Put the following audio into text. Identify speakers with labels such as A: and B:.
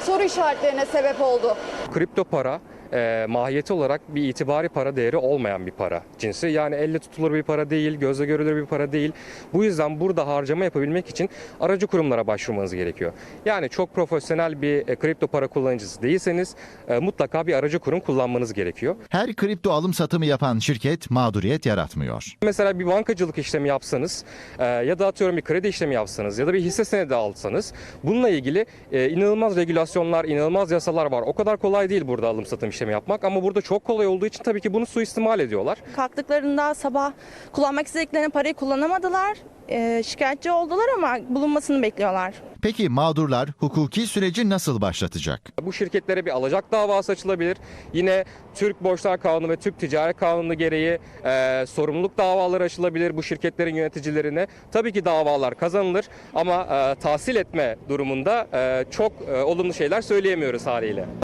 A: soru işaretlerine sebep oldu.
B: Kripto para mahiyeti olarak bir itibari para değeri olmayan bir para cinsi. Yani elle tutulur bir para değil, gözle görülür bir para değil. Bu yüzden burada harcama yapabilmek için aracı kurumlara başvurmanız gerekiyor. Yani çok profesyonel bir kripto para kullanıcısı değilseniz mutlaka bir aracı kurum kullanmanız gerekiyor.
C: Her kripto alım satımı yapan şirket mağduriyet yaratmıyor.
B: Mesela bir bankacılık işlemi yapsanız ya da atıyorum bir kredi işlemi yapsanız ya da bir hisse senedi alsanız bununla ilgili inanılmaz regülasyonlar, inanılmaz yasalar var. O kadar kolay değil burada alım satım işlemi yapmak ama burada çok kolay olduğu için tabii ki bunu suistimal ediyorlar.
D: Kalktıklarında sabah kullanmak istediklerine parayı kullanamadılar. Şikayetçi oldular ama bulunmasını bekliyorlar.
C: Peki mağdurlar hukuki süreci nasıl başlatacak?
B: Bu şirketlere bir alacak davası açılabilir. Yine Türk Borçlar Kanunu ve Türk Ticaret Kanunu gereği sorumluluk davaları açılabilir bu şirketlerin yöneticilerine. Tabii ki davalar kazanılır ama tahsil etme durumunda çok olumlu şeyler söyleyemiyoruz haliyle.